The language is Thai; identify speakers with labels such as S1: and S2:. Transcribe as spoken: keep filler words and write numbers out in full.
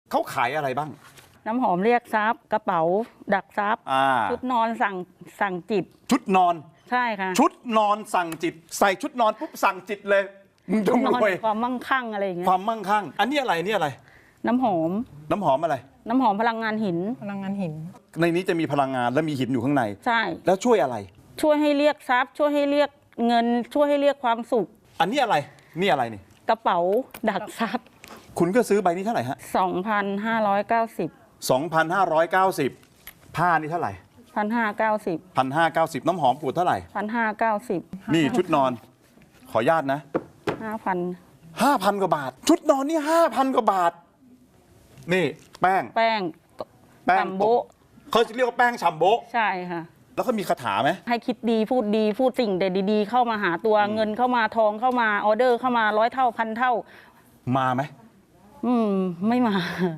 S1: เขาขายอะไรบ้าง
S2: น้ำหอมเรียกทรัพย์กระเป๋าดักทรัพย์ชุดนอนสั่งสั่งจิต
S1: ชุดนอน
S2: ใช่ค่ะ
S1: ชุดนอนสั่งจิตใส่ชุดนอนปุ๊บสั่งจิตเลยมึงต้องรวย
S2: ความมั่งคั่งอะไรอย่างเงี้ย
S1: ความมั่งคั่งอันนี้อะไรนี่อะไร
S2: น้ำหอม
S1: น้ำหอมอะไร
S2: น้ำหอมพลังงานหิน
S3: พลังงานหิน
S1: ในนี้จะมีพลังงานและมีหินอยู่ข้างใน
S2: ใช่
S1: แล้วช่วยอะไร
S2: ช่วยให้เรียกทรัพย์ช่วยให้เรียกเงินช่วยให้เรียกความสุข
S1: อันนี้อะไรนี่อะไรนี่
S2: กระเป๋าดักทรัพย์
S1: คุณก็ซื้อใบนี้เท่าไหร่ฮะ
S2: สองพันห้าร้อยเก้าสิบ
S1: สองพันห้าร้อยเก้าสิบ ผ้านี่เท่าไหร่
S2: หนึ่งพันห้าร้อยเก้าสิบ
S1: หนึ่งพันห้าร้อยเก้าสิบ น้ำหอมขวดเท่าไหร่
S2: หนึ่งพันห้าร้อยเก้าสิบ
S1: นี่ชุดนอนขออนุญาตนะ
S2: ห้าพัน
S1: ห้าพันกว่าบาทชุดนอนนี่ห้าพันกว่าบาทนี่แป้ง
S2: แป้ง
S1: แป้ง
S2: ชัมโบ
S1: เขาจะเรียกว่าแป้งชัมโบ
S2: ใช่ค่ะ
S1: แล้วก็มีคาถาไหม
S2: ให้คิดดีพูดดีพูดสิ่งเด็ดดีๆเข้ามาหาตัวเงินเข้ามาทองเข้ามาออเดอร์เข้ามาร้อยเท่าพันเท่า
S1: มาไหม
S2: อืมไม่มา